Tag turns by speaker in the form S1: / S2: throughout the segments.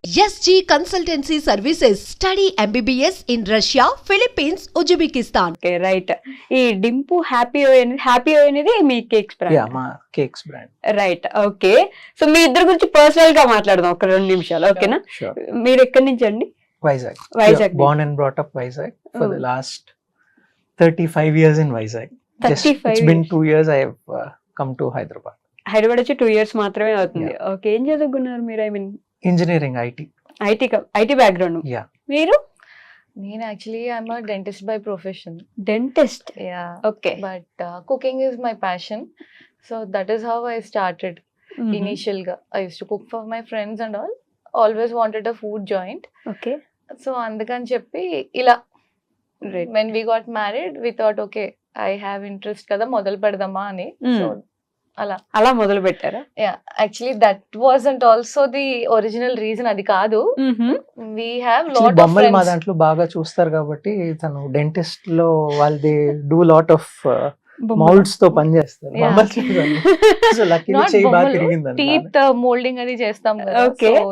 S1: SG Consultancy Services. Study MBBS in Russia, Philippines, Uzbekistan.
S2: Okay right. ఈ Dimpu happy అనేది మీ cakes brand.
S3: మా cakes brand.
S2: Right okay. So మీ ఇద్దరు గురించి పర్సనల్ గా మాట్లాడదాం ఒక 2 నిమిషాలు, ఓకేనా? మీరు ఎక్కడి నుంచి అండి?
S3: Vizag. Born and brought up Vizag for the last 35 years in Vizag. It's been 2 years I have come to Hyderabad.
S2: Hyderabad వచ్చి 2 years మాత్రమే అవుతుంది. ఓకే, ఏం చదువుకున్నారు మీరు? I mean
S3: Engineering, IT
S2: background.
S3: Yeah.
S2: మీరు?
S4: నేను actually I'm a dentist by profession.
S2: Dentist.
S4: Yeah.
S2: Okay.
S4: But cooking is my passion. So that is how I started initial ga. I used to cook for my friends and all. Always wanted a food joint.
S2: Okay
S4: So అందుకని చెప్పి ఇలా
S2: right.
S4: when we got married we thought okay I have interest కదా మొదలు పెడదామా అని. So
S2: అలా మొదలు పెట్టారా?
S4: yeah, actually that wasn't also the original reason. అది కాదు. We have lot of
S3: బొమ్మలు మా
S4: friends.
S3: దాంట్లో బాగా చూస్తారు కాబట్టి తను డెంటిస్ట్ లో వాళ్ళది డూ లాట్ ఆఫ్ మౌల్డ్స్ తో పని చేస్తారు.
S4: Yeah.
S3: సో లక్కీ
S4: Not
S3: చేయి బాగా
S4: బొమ్మలు,
S3: తిరిగింది.
S4: teeth molding అది చేస్తాం కదా.
S2: Okay.
S4: So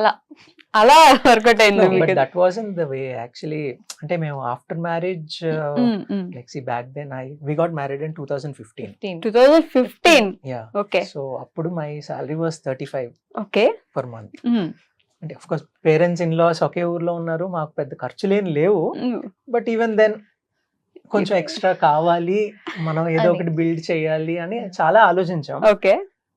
S4: అలా
S2: వర్కౌట్ అయింది మీకు?
S3: That wasn't the way actually. అంటే మేము after marriage like see back then we got married in 2015.
S2: 2015.
S3: Yeah.
S2: Okay
S3: so అప్పుడు my salary was 35
S2: okay.
S3: Per month. అంటే of course parents in laws ఒకే ఊర్లో ఉన్నారు, మాకు పెద్ద ఖర్చులేం లేవు. బట్ ఈవెన్ దెన్ కొంచెం ఎక్స్ట్రా కావాలి, మనం ఏదో ఒకటి బిల్డ్ చేయాలి అని చాలా ఆలోచించాం.
S2: Okay.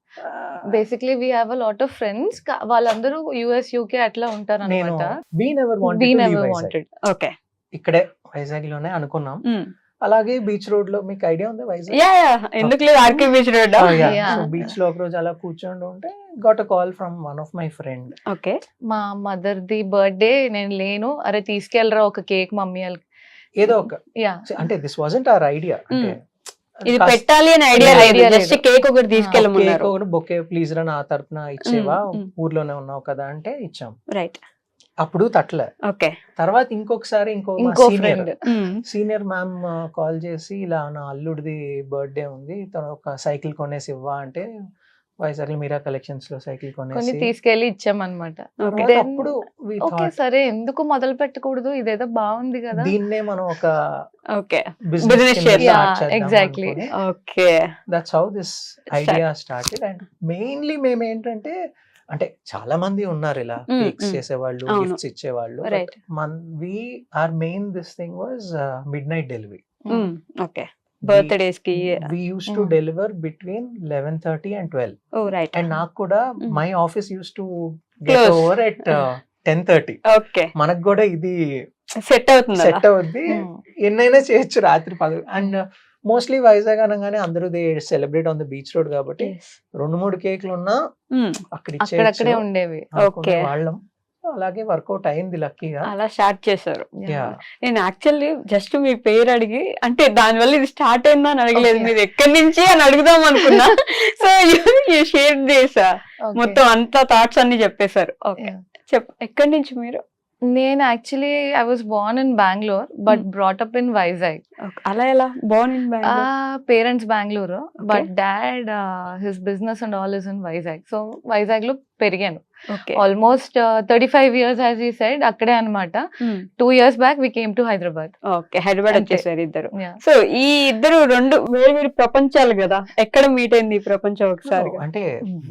S4: Basically we have a lot of friends. వాళ్ళందరూ US UK అట్లా ఉంటారు
S3: నేను
S4: అనమాట.
S3: we never wanted
S4: We
S3: to leave
S4: never
S3: Vizag.
S4: wanted.
S2: Okay.
S3: ఇక్కడే వైజాగ్ లోనే అనుకున్నాం. అలాగే బీచ్ రోడ్ లో, మీకు ఐడియా ఉంది వైజాగ్?
S2: యా ఎందుకు లేదు, RK beach road.
S4: Yeah.
S3: So beach లో ఒక రోజు అలా కూర్చొని ఉంటే got a call from one of my friend.
S2: Okay.
S4: మా మదర్ ది బర్త్డే, నేను లేను, అరే తీసుకెళ్ళరా ఒక కేక్ మమ్మీ వాళ్ళకి.
S3: ఏదో ఒక
S4: యా,
S3: అంటే దిస్ వాజంట్ అవర్ ఐడియా. అంటే
S2: ఇది పెట్టాలి అని ఐడియా లేదు, జస్ట్ కేక్ ఒకటి తీసుకెళ్ళమన్నారు.
S3: బొకే ప్లీజ్ రా నా తరపున ఇచ్చేవా, ఊర్లోనే ఉన్నావు కదా అంటే ఇచ్చాం.
S2: రైట్.
S3: అప్పుడు తట్లే.
S2: ఓకే.
S3: తర్వాత ఇంకొకసారి
S4: ఇంకో ఫ్రెండ్
S3: సీనియర్ మ్యామ్ కాల్ చేసి ఇలా నా అల్లుడిది బర్త్డే ఉంది, తను ఒక సైకిల్ కొనేసి ఇవ్వా అంటే వైజాగ్ మీరా కలెక్షన్స్ లో సైకిల్
S4: కొన్ని
S3: కొనేసి
S4: తీసుకెళ్లి ఇచ్చామన్నమాట.
S3: అప్పుడు we
S4: ఓకే
S3: thought,
S4: సరే ఎందుకు మొదలు పెట్టకూడదు, ఇదేదో బాగుంది కదా.
S3: దీన్నే మనం ఒక
S2: ఓకే
S3: బిజినెస్
S2: Business
S3: కింద
S2: చేద్దాం.
S3: start
S4: Yeah,
S3: చేద్దాం
S4: exactly.
S3: అనుకుని.
S2: Okay.
S3: That's how this idea started. And mainly మేము ఏంటంటే, అంటే చాలా మంది ఉన్నారు ఇలా కేక్స్ చేసేవాళ్ళు,
S2: అవును.
S3: గిఫ్ట్స్ ఇచ్చేవాళ్ళు.
S2: Right.
S3: We are main this thing was midnight delivery.
S2: Okay. Birthdays కి.
S3: We use to deliver between 11:30 and 12.
S2: Oh right.
S3: And నాకు కూడా
S2: Mm.
S3: My office use to get
S2: Close.
S3: Over at 10:30.
S2: Okay.
S3: మనకు కూడా ఇది
S2: set అవుతుంది.
S3: Set అవుద్ది, ఎన్నైనా చేయొచ్చు రాత్రి 10. అండ్ మోస్ట్లీ వైజాగ్ అనగానే అందరూ they celebrate on the beach road కాబట్టి 2-3 కేక్లు ఉన్నా అక్కడ
S4: అక్కడక్కడే
S3: ఇచ్చేయచ్చు
S4: ఉండేవి.
S2: Okay.
S3: వాళ్ళం. అలాగే వర్కౌట్ అయింది లక్కీగా.
S2: అలా స్టార్ట్ చేశారు.
S3: Yeah.
S2: నేను యాక్చువల్లీ జస్ట్ మీ పేరు అడిగి, అంటే దానివల్ల ఇది స్టార్ట్ అయిందా అని అడగలేదు,
S4: Okay.
S2: మీరు ఎక్కడి నుంచి అని అడుగుదాం అనుకున్నా. సో షేర్ చేసా,
S4: Okay.
S2: మొత్తం అంతా థాట్స్ అన్ని చెప్పేశారు. Okay,
S4: Yeah.
S2: ఎక్కడి నుంచి మీరు?
S4: నేను actually I was born in Bengaluru but brought up in Vizag.
S2: అలా ఎలా born in
S4: parents Bengaluru but dad his business and all is in Vizag. So Vizag లో పెరిగాను
S2: ఓకే.
S4: ఆల్మోస్ట్ 35 years యాజ్ ఈ సైడ్ అక్కడే అనమాట. 2 years back we came to Hyderabad.
S2: Okay, Hyderabad
S4: అంతే.
S2: వచ్చేసారు ఇద్దరు. సో ఈ ఇద్దరు రెండు వేరు వేరు ప్రపంచాలు కదా, ఎక్కడ మీట్ అయింది ఈ ప్రపంచం ఒకసారి?
S3: అంటే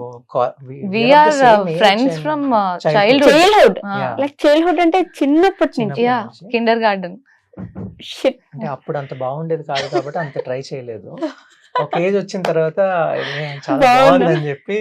S4: we are friends from childhood.
S2: Childhood,
S3: Yeah.
S2: Like childhood అంటే చిన్నప్పటి నుంచి.
S4: Yeah, kindergarten.
S2: Shit.
S3: అంటే అప్పుడు అంత బాగుండేది కాదు కాబట్టి అంత ట్రై చేయలేదు. ఒక ఏజ్ వచ్చిన తర్వాత ఇది చాలా
S2: బాగుందా?
S3: బాగుందని చెప్పి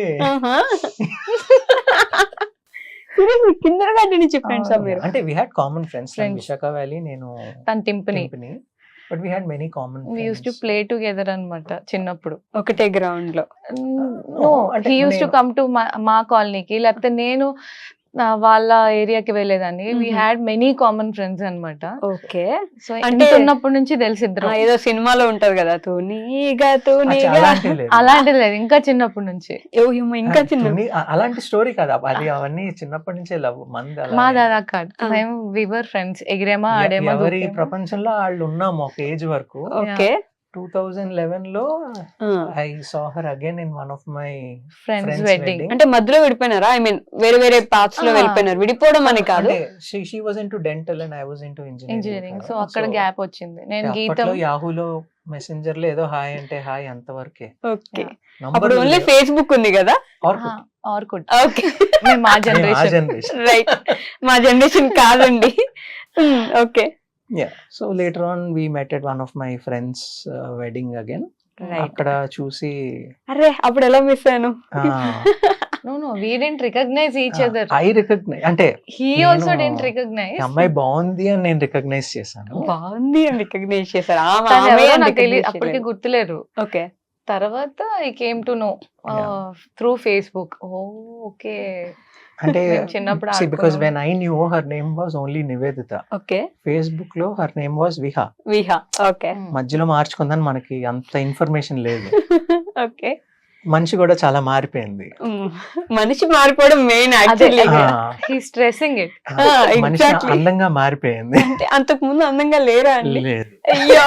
S2: కిందర్ గార్డెన్ నుంచి ఫ్రెండ్స్
S4: Oh,
S2: మీరు?
S3: అంటే we had common friends.
S4: Friends.
S3: Visakha valley, నేను
S4: తన టింపని.
S3: But we had many common
S4: we use to play together అనమాట చిన్నప్పుడు.
S2: ఒకటే గ్రౌండ్ లో.
S4: నో,
S3: అంటే
S4: హీ యూస్ టు
S3: నేను-
S4: కమ్ టు మా కాలనీకి, లేకపోతే నేను వాళ్ళ ఏరియాకి వెళ్ళేదాన్ని. We had many common friends అనమాట.
S2: ఓకే.
S4: సో
S2: అంటే-
S4: అంటే ఉన్నప్పటి నుంచి తెలిసి ఇద్దరు.
S2: ఏదో సినిమాలో ఉంటది కదా, తూనీగా తూనీగా.
S4: అలాంటిది లేదు, ఇంకా చిన్నప్పటి నుంచి.
S2: ఇంకా చిన్న.
S3: అలాంటి స్టోరీ కాదు అది, అవన్నీ చిన్నప్పటి నుంచే లవ్ మంది. అలా
S4: మా దాదా కాదు, మేము వివర్ ఫ్రెండ్స్, ఎగిరేమా ఆడేమా
S3: ఎవరి
S4: దూకేమా.
S3: ప్రపంచంలో వాళ్ళు ఉన్నాము ఒక ఏజ్ వరకు.
S2: ఓకే.
S3: 2011 లో I saw her again in one of my
S4: friends wedding.
S2: అంటే మధ్యలో విడిపోయినారా? ఐ మీన్ వేరే వేరే పాత్స్ లో వెళ్ళిపోయినారు, విడిపోవడం అని కాదు.
S3: She was into dental and I was into
S4: engineering. So అక్కడ గ్యాప్ వచ్చింది. నేను గీతం
S3: అప్పట్లో యాహూలో మెసెంజర్ లో ఏదో హాయ్ అంటే హాయ్ అంతవరకే.
S2: ఓకే, అప్పుడు ఓన్లీ ఫేస్బుక్ ఉంది కదా.
S4: ఆర్కుడ్.
S2: ఓకే,
S4: మా జనరేషన్.
S2: రైట్, మా జనరేషన్ కాదండి. Okay,
S3: Yeah. So later on we met at one of my friends' wedding again.
S2: Right.
S3: అక్కడ చూసి
S2: అరే అప్పుడు ఎలా మిస్ అయ్యాను.
S4: No, we didn't recognize each other.
S3: I recognize అంటే
S4: He
S3: నేను
S4: also didn't recognize.
S3: ఈ అమ్మాయి బాగుంది అని నేను రికగ్నైజ్ చేశాను.
S2: బాగుంది అని రికగ్నైజ్ చేశారు.
S4: తను ఎవరో నాకు తెలియదు, అప్పటికి గుర్తులేరు.
S2: ఓకే,
S4: తర్వాత I came to know through Facebook. Okay,
S3: అంటే
S4: చిన్నప్పుడు
S3: because when I knew her name was only Nivedita,
S2: okay,
S3: Facebook లో her name was Viha.
S2: Viha. Okay,
S3: మధ్యలో మార్చుకుందని మనకి అంత ఇన్ఫర్మేషన్ లేదు.
S2: ఓకే.
S3: మనిషి కూడా చాలా మారిపోయింది.
S2: మనిషి మారిపోవడం main actually.
S4: He stressing it.
S3: మనిషి అందంగా మారిపోయింది.
S2: అంటే అంతకు ముందు అందంగా లేరా అండి?
S3: లేదు,
S2: అయ్యో.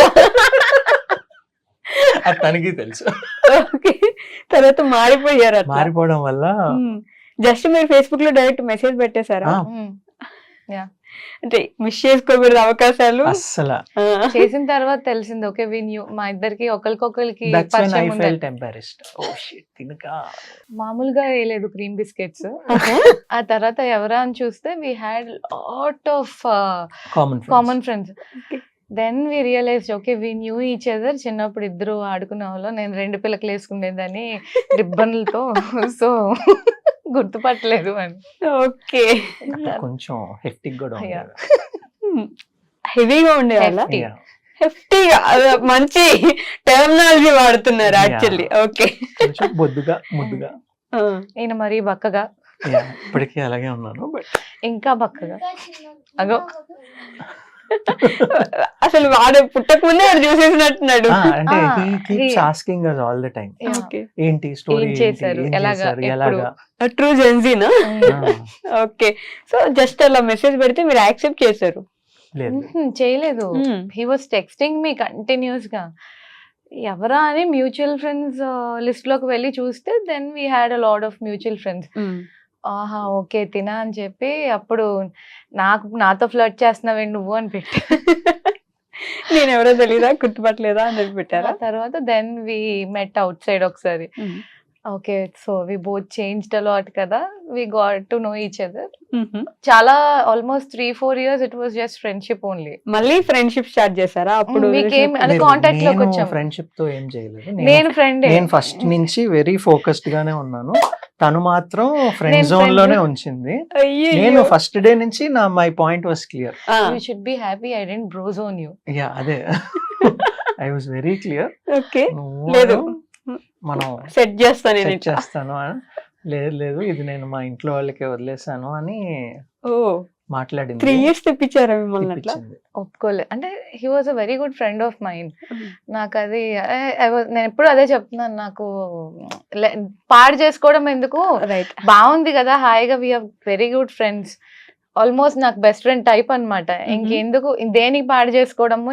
S3: అది తనకి తెలుసు.
S2: ఓకే, తర్వాత మారిపోయారు.
S3: మారిపోవడం వల్ల
S2: జస్ట్ మీరు ఫేస్బుక్ లో డైరెక్ట్ మెసేజ్ పెట్టేశారా? అంటే మిస్ చేసుకోకూడదు అవకాశాలు
S3: అస్సలు.
S4: చేసిన తర్వాత తెలిసింది. ఓకే, మా ఇద్దరికి ఒకరికొకరికి పరిచయం ఉంది. మామూలుగా వేయలేదు క్రీమ్ బిస్కెట్స్. ఆ తర్వాత ఎవరా అని చూస్తే we had lot of common friends. Then we realize okay we knew each other. చిన్నప్పుడు ఇద్దరు ఆడుకునే వాళ్ళు, నేను 2 పిల్లకలు వేసుకునేదాన్ని రిబ్బన్లతో. సో గుర్తుపట్టలేదు అని.
S2: ఓకే,
S3: కొంచెం హెక్టిక్ కూడా
S2: హెవీగా ఉండేవాళ్ళ. హెఫ్టీగా, మంచి టెర్మినాలజీ వాడుతున్నారు యాక్చువల్లీ. ఓకే,
S3: కొంచెం బొద్దుగా ముద్దుగా.
S4: ఈయన మరీ బక్కగా.
S3: ఇప్పటికీ అలాగే ఉన్నాను, బట్
S4: ఇంకా బక్కగా. అగో
S2: అసలు వాడు పుట్టక ముందే వాడు చూసేసినట్టున్నాడు.
S3: అంటే he keeps asking us all the time. ఏంటి స్టోరీ,
S4: ఏం చేశారు, ఎలాగా.
S2: ట్రూ జెన్జీనా? ఓకే, సో జస్ట్ అలా మెసేజ్ పెడితే మీరు యాక్సెప్ట్ చేశారు?
S4: చేయలేదు. He was texting me continuous గా. ఎవరా అని మ్యూచువల్ ఫ్రెండ్స్ లిస్ట్ లోకి వెళ్ళి చూస్తే then we had a lot of mutual friends. ఆహా ఓకే తినా అని చెప్పి అప్పుడు నాతో ఫ్లర్ట్ చేస్తున్నావే నువ్వు అని పెట్టి
S2: నేను ఎవరో తెలీదా, గుర్తుపట్టలేదా అని పెట్టారా?
S4: తర్వాత then we met outside ఒకసారి. Okay, so we both changed a lot కదా, we got to know each other. చాలా almost 3-4 years it was just friendship only.
S2: మళ్ళీ ఫ్రెండ్షిప్ స్టార్ట్ చేశారా? అప్పుడు
S4: కాంటాక్ట్ లోకి వచ్చాము.
S3: ఫ్రెండ్షిప్ తో ఏం చేయలేదు.
S4: నేను ఫ్రెండ్,
S3: నేను ఫస్ట్ నుంచి వెరీ ఫోకస్డ్ గానే ఉన్నాను. తను మాత్రం ఫ్రెండ్ జోన్ లోనే ఉంచింది. నేను ఫస్ట్ డే నుంచి my point was clear.
S4: You should be happy I didn't bro zone you.
S3: Yeah, అదే I was very clear.
S2: Okay, లేదు
S3: మనం
S2: సెట్ చేస్తాను.
S3: లేదు ఇది నేను మా ఇంట్లో వాళ్ళకి వదిలేసాను అని మాట్లాడింది.
S2: 3 years తెప్పించారా మిమ్మల్ని? అట్లా
S4: ఒప్పుకోలేదు. అంటే he was a very good friend of mind. నాకు అది నేను ఎప్పుడు అదే చెప్తున్నాను, నాకు పాడు చేసుకోవడం ఎందుకు, బాగుంది కదా హాయిగా, we have very good friends. Almost నాకు బెస్ట్ ఫ్రెండ్ టైప్ అనమాట. ఇంకెందుకు దేనికి పాడు చేసుకోవడము,